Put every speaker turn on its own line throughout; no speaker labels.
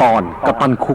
ตอนกัปตันคุก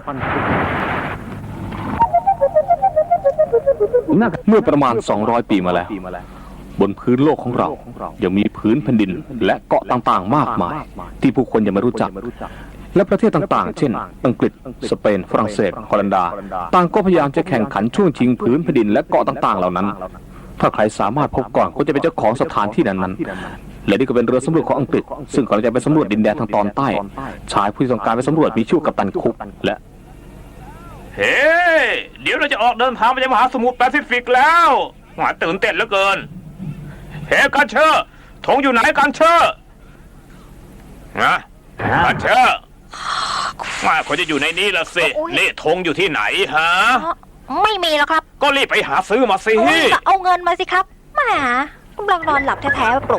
เมื่อประมาณ200 ปีมาแล้วบนพื้นโลกของเรายังมีพื้นแผ่นดินและเกาะต่างๆมากมายที่ผู้คนยังไม่รู้จักและประเทศต่างๆเช่นอังกฤษสเปนฝรั่งเศสฮอลันดาต่างก็พยายามจะแข่งขันช่วงชิงพื้นแผ่นดินและเกาะต่างๆเหล่านั้นถ้าใครสามารถพบก่อนก็จะเป็นเจ้าของสถานที่นั้นๆและนี่ก็เป็นเรือสำรวจของอังกฤษซึ่งกำลังจะไปสำรวจดินแดนทางตอนใต้ชายผู้ต้องการไปสำรวจมีชื่อกัปตันคุกและ
เฮ้เดี๋ยวเราจะออกเดินทางไปยังมหาสมุทรแปซิฟิกแล้วหวาตื่นเต้นเหลือเกินเฮ้กันเชอร์ธงอยู่ไหนกันเชอร์นะกันเชอร์มาคนจะอยู่ในนี้ละสินี่ธงอยู่ที่ไหนฮะ
ไม่มีแล้วครับ
ก็รีบไปหาซื้อมาสิ
เอาเงินมาสิครับแหมกำลังนอนหลับแท้ๆปลุก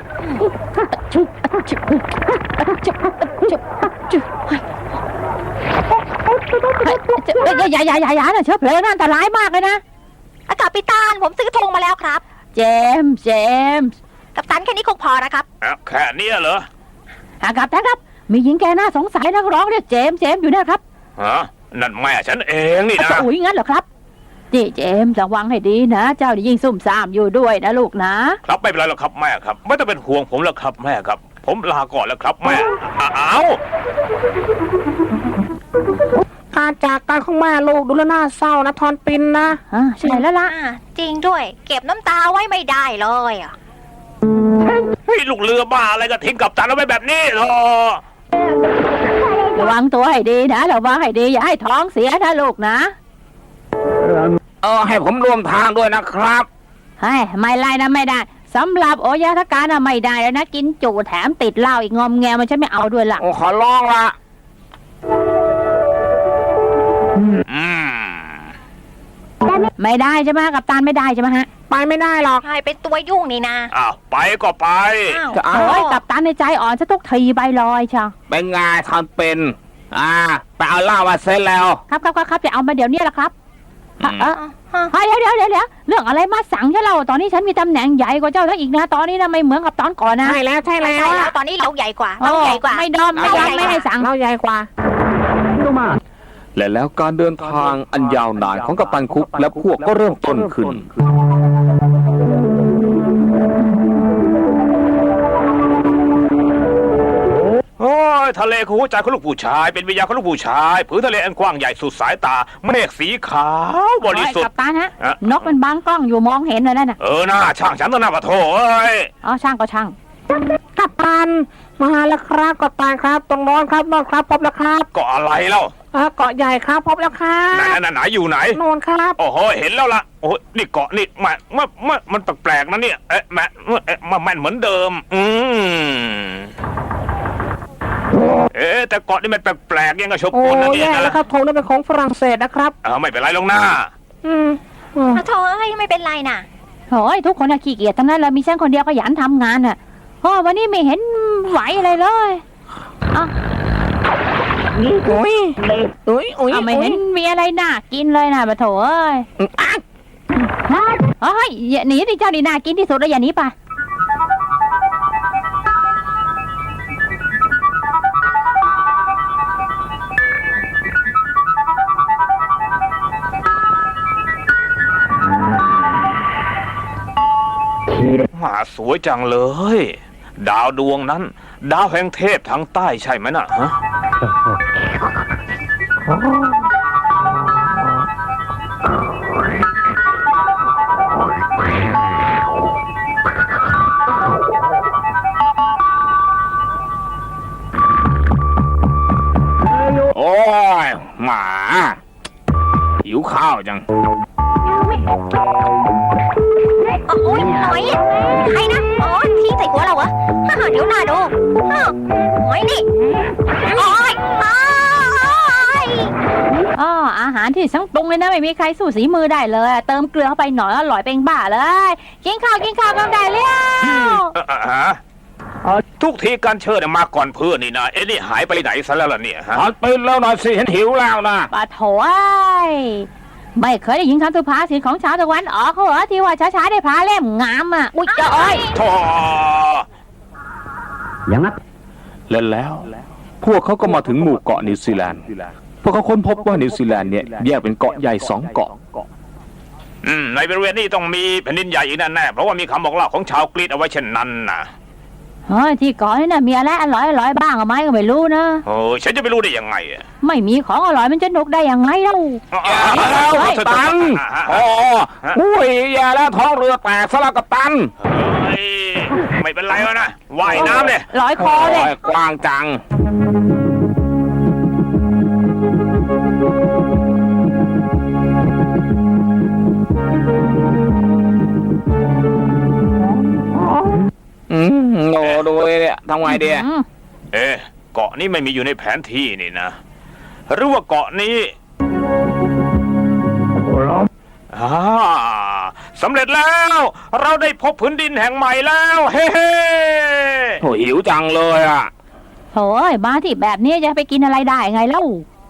อย่านะเชื้อเพลิงอันตรายมากเลยนะ
อากาศปิตานผมซื้อธงมาแล้วครับ
เจมส์
กัปตันแค่นี้คงพอนะครับ
แค่นี้เหรอ
กัปตันครับมีหญิงแกน่าสงสัยนักร้องเรียกเจมส์อยู่นะครับ
ฮะนั่นแม่ฉันเองนี่นะ
อุ้ยงั้นเหรอครับนี่เจมส์ระวังให้ดีนะเจ้ายิ่งซุ่มซ่ามอยู่ด้วยนะลูกนะครับ
ไม่เป็นไรหรอกครับแม่ครับไม่ต้องเป็นห่วงผมแล้วครับแม่ครับผมลาก่อนแล้วครับแม่
การจากกันของแม่ลูกดูแลน่าเศร้านะทอนปินนะ
ใช่แล้วล่ะ
จริงด้วยเก็บน้ำตาไว้ไม่ได้เลย
ให้ลูกเรือบ้าอะไรก็ทิ้งกัปตันเอาไว้แบบนี้หรอ
ระวังตัวให้ดีนะระวังให้ดีอย่าให้ท้องเสียนะลูกนะ
ให้ผมร่วมทางด้วยนะครับ
ไม่ไล่นะไม่ได้สำหรับโอยาทการนะไม่ได้แล้วนะกินจูแถมติดเหล้าอีกงอมแงมันฉันไม่เอาด้วยล่ะ
ขอร้องละ
ไม่ได้ใช่ไหมกัปตันไม่ได้ใช่ไหมฮะ
ไปไม่ได้หรอก
ใช่เป็นตัวยุ่งนี่นะ
ไปก็ไป
กัปตันในใจอ่อนจะตุกทีใบลอยเชียว
เป็นไงทำเป็นไปเอาเหล้ามาเซ็ตแล้ว
ครับจะเอามาเดี๋ยวนี้แหละครับเดี๋ยวเรื่องอะไรมาสั่งใช่เราตอนนี้ฉันมีตำแหน่งใหญ่กว่าเจ้าแล้วอีกนะตอนนี้นะไม่เหมือนกับตอนก่อนนะ
ใช่แล้ว
ตอนนี้เราใหญ่กว่า
ไม่ดอมไม่ให้สั่ง
เราใหญ่กว่า
และแล้วการเดินทางอันยาวนานของกัปตันคุกและพวกก็เริ่มต้นขึ้น
โอ้ยทะเลคือหัวใจของลูกผู้ชายเป็นวิญญาณของลูกผู้ชายผืนทะเลอันกว้างใหญ่สุดสายตาเมฆสีขาวบริสุทธิ์
กัปตันฮะนกมันบังกล้องอยู่มองเห็นเลยนั่นน่ะ
หน้าช่างฉันต้องหน้าปะโถเอ้ย
ช่างก็ช่าง
กัปตันมาแล้วครับกัปตันครับตรงโน้นครับโน้นครับพบแล้วครับ
เกาะอะไรเล่า
เกาะใหญ่ครับพบแล้วครับ
ไหนอยู่ไหน
โน่นครับ
โอ้โหเห็นแล้วล่ะโอ้นี่เกาะนี่มันแปลกๆนะเนี่ยแม่นเหมือนเดิมแต่เกาะนี่มันแปลกๆยังกระชบกลนะเนี่ย
นะครับธงนั่นเป็นของฝรั่งเศสนะครับ
ไม่เป็นไรลงหน้า
โธ่ไม่เป็นไรน่ะ
โอ้ยทุกคนขี้เกียจทั้งนั้นเลยมีฉันคนเดียวขยันทำงานน่ะวันนี้ไม่เห็นไหวอะไรเลยไม่เห็นมีอะไรน่ากินเลยนะปะโถเอ้ยอย่าหนีดิเจ้านี่น่ากินที่สุดแล้วอย่าหนีไป
สวยจังเลยดาวดวงนั้นดาวแห่งเทพทางใต้ใช่ไหมน่ะฮะโอ้ยหมาหิวข้าวจัง
โอ้ยหอยใครนะทิ้งใส่หัวเราเหรอเดี๋ยวหน้าดูหอยนี่
อาหารที่สังปรุงเลยนะไม่มีใครสู้สีมือได้เลยเติมเกลือเข้าไปหน่อยอร่อยเป็นบ้าเลยกินข้าวกันได้แล้ว
ทุกทีการเชิญมาก่อนเพื่อนนี่นะนี่หายไปไหนซะแล้วล่ะเนี่ยฮะ
ไปแล้วหน่อยสิเห็นหิวแล้วนะ
ปะโถไม่เคยได้ยินคำสุภาษิตของชาวตะวันออกเขาเหรอที่ว่าช้าๆได้พาเล่มงามอุ้ย
โธ่
อย่างนั้นแล้วพวกเขาก็มาถึงหมู่เกาะนิวซีแลนด์พวกเขาค้นพบว่านิวซีแลนด์เนี่ยแยกเป็นเกาะใหญ่2 เกาะ
ในบริเวณนี้ต้องมีแผ่นดินใหญ่อีกแน่ๆเพราะว่ามีคำบอกเล่าของชาวกรีกเอาไว้เช่นนั้นนะ
ที่เกาะนี่นะมีอะไรอร่อยบ้างไหมก็ไม่รู้นะ
โอ้ยฉันจะไปรู้ได้ยังไงอะ
ไม่มีของอร่อยมันจะหนุกได้ยังไงเล่า
แล้วกัปตันอุ้ยอย่าแล้วท้องเรือแตกซะแล้วกัปตัน
เฮ้ยไม่เป็นไรวะนะว่ายน้ำเลย
ร้อยคอเลย
กว้างจังโง่ดูเลยเนี่ยทำไงดี
เกาะนี้ไม่มีอยู่ในแผนที่นี่นะหรือว่าเกาะนี้สำเร็จแล้ว เราได้พบพื้นดินแห่งใหม่แล้วเฮ้
โหหิวจังเลยอ่ะ
โถ่มาที่แบบนี้จะไปกินอะไรได้ไงเล่า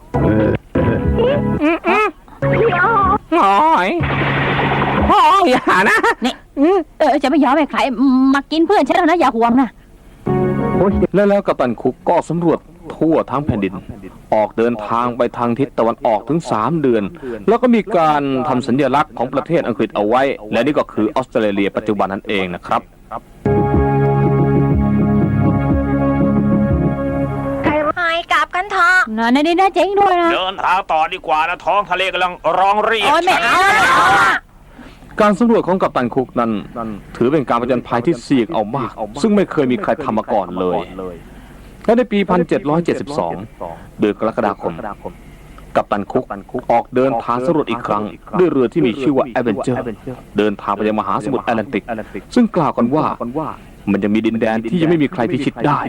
โอ้ยอย่านะ
นี่จะไม่ยอมให้ใครมากินเพื่อนฉันแล้วนะอย่าห่วงนะ
แล้วกัปตันคุกก็สำรวจทั่วทั้งแผ่นดินออกเดินทางไปทางทิศตะวันออกถึง3 เดือนแล้วก็มีการทำสัญลักษณ์ของประเทศอังกฤษเอาไว้และนี่ก็คือออสเตรเลียปัจจุบันนั่นเองนะครับ
ไปกลับกันเถอะ
นี่นะเจ๋งด้วยนะ
เดินทางต่อดีกว่านะท้องทะเลกำลังร้องเรียก
โอ้ยไม่เอา
การสำรวจของกัปตันคุกนั้นถือเป็นการผจญภัยที่เสี่ยงเอามากซึ่งไม่เคยมีใครทำมาก่อนเลยและในปี 1772 เดือนกรกฎาคมกัปตันคุกออกเดินทางสำรวจอีกครั้งด้วยเรือที่มีชื่อว่า Avenger เดินทางไปยังมหาสมุทรแอตแลนติกซึ่งกล่าวกันว่ามันจะมีดินแดนที่ยังไม่มีใครพิชิตได้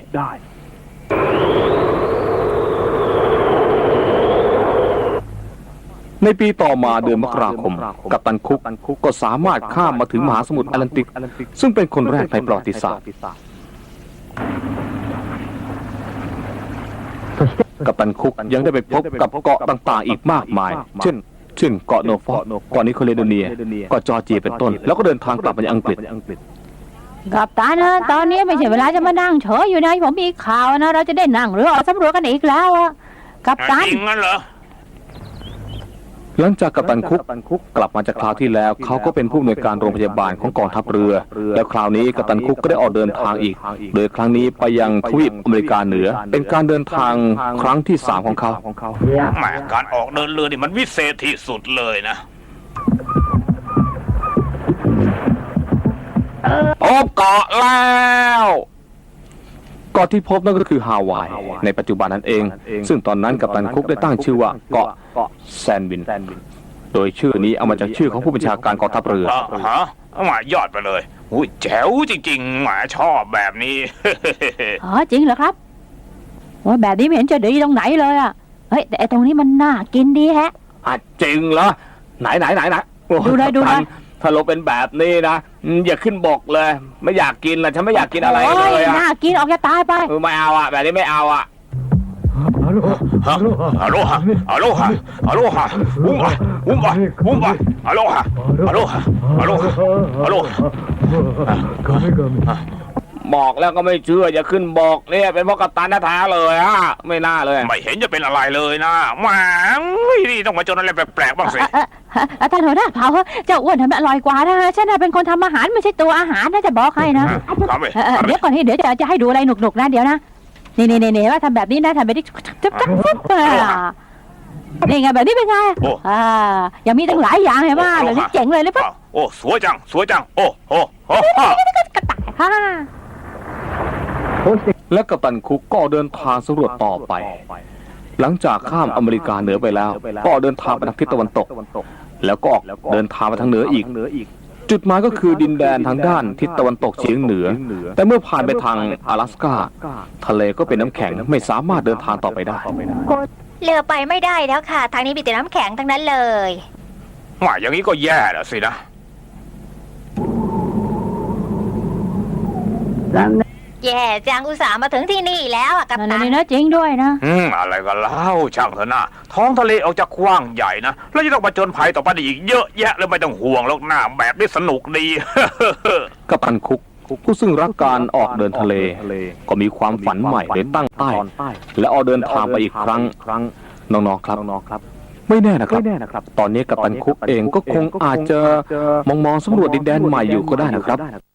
ในปีต่อมาเดือนมกราคมกัปตันคุกก็สามารถข้ามมาถึงมหาสมุทรแอตแลนติกซึ่งเป็นคนแรกในประวัติศาสตร์กัปตันคุกยังได้ไปพบกับเกาะต่างๆอีกมากมายเช่นเกาะโนฟอกเกาะนิโคเลโดเนียเกาะจอร์เจียเป็นต้นแล้วก็เดินทางกลับมายังอังกฤษ
กัปตันนะตอนนี้ไม่ใช่เวลาจะมานั่งเฉยอยู่นะผมมีข่าวนะเราจะได้นั่งเรือออกสำรวจกันอีกแล้วอะกัปตัน
จริงงั้นเหรอ
หลังจากกัปตันคุกกลับมาจากคราวที่แล้วเขาก็เป็นผู้อำนวยการโรงพยาบาลของกองทัพเรือแล้วคราวนี้กัปตันคุกก็ได้ออกเดินทางอีกโดยครั้งนี้ไปยังทวีปอเมริกาเหนือเป็นการเดินทางครั้งที่3ของเขา
แหมการออกเดินเรือนี่มันวิเศษที่สุดเลยนะ
พบเกาะแล้วเกาะที่พบนั่นก็คือฮาวายในปัจจุบันนั่นเองซึ่งตอนนั้นกัปตันคุกได้ตั้งชื่อว่าเกาะแซนวินโดยชื่อนี้เอามาจากชื่อของผู้บัญชาการกองทัพเรือ
ฮะมายอดไปเลยอุ้ยแจ๋วจริงๆหมาชอบแบบนี้
จริงเหรอครับว่าแบบนี้ไม่เห็นจะดีตรงไหนเลยอะเฮ้ยแต่ตรงนี้มันน่ากินดีแฮะ
จริงเหรอไหน
ดูเลย
ถ้าเราเป็นแบบนี้นะอย่าขึ้นบกเลยไม่อยากกินละฉันไม่อยากกินอะไรเลยอะ
น่ากินออกจะตายไป
ไม่เอาอะแบบนี้ไม่เอาอะ
ฮัลโหลฮะฮัลโหลฮะฮัลโหลฮะอุ้มไปฮัลโหลฮะฮัลโหลฮะฮัลโหลฮัลโหล
บอกแล้วก็ไม่เชื่ออย่าขึ้นบอกเนี่ยเป็นเพราะกัปตันแท้ๆเลยอะไม่น่าเลย
ไม่เห็นจะเป็นอะไรเลยนะแหมนี่ต้องมาจนอะไรแปลกๆบ้างสิ
ท่านหัวหน้าเผาเจ้าอ้วนทำอร่อยกว่านะฉันเป็นคนทำอาหารไม่ใช่ตัวอาหารนะจะบอกให้นะเดี๋ยวก่อนเดี๋ยวจะให้ดูอะไรหนุกๆนะเดี๋ยวนะนี่ว่าทำแบบนี้นะทำแบบนี้จับนี่ไงแบบนี้เป็นไงยังมีตั้งหลายอย่างเห็นไหมแบบนี้เจ๋งเลยปั๊บ
โอ้สวยจังโอ้
และกัปตันคุกก็เดินทางสำรวจต่อไปหลังจากข้ามอเมริกาเหนือไปแล้วก็เดินทางไปทางทิศตะวันตกแล้วก็เดินทางไปทางเหนืออีกจุดหมายก็คือดินแดนทางด้านทิศตะวันตกเฉียงเหนือแต่เมื่อผ่านไปทาง阿拉斯กาทะเลก็เป็นน้ำแข็งไม่สามารถเดินทางต่อไปได้
เรือไปไม่ได้แล้วค่ะทางนี้มีแต่น้ำแข็งทั้งนั้นเลย
ว่าอย่างนี้ก็แย่แล้วสินะ
แย่จังอุตส่าห์มาถึงที่นี่แล้วกัปตัน
นี่นะจริงด้วยนะ
อะไรก็เล่าช่างเถอะนะท้องทะเลออกจากกว้างใหญ่นะแล้วจะต้องมาจนภัยต่อไปอีกเยอะแยะเลยไม่ต้องห่วงหรอกหน้าแบบนี้สนุกดี
กัปตันคุกผู้ซึ่งรักการออกเดินทะเลก็มีความฝันใหม่เลยตั้งใต้และออกเดินทางไปอีกครั้งน้องๆครับ ไม่แน่นะครับ ตอนนี้กัปตันคุกเองก็คงอาจจะมองสำรวจดินแดนใหม่อยู่ก็ได้นะครับ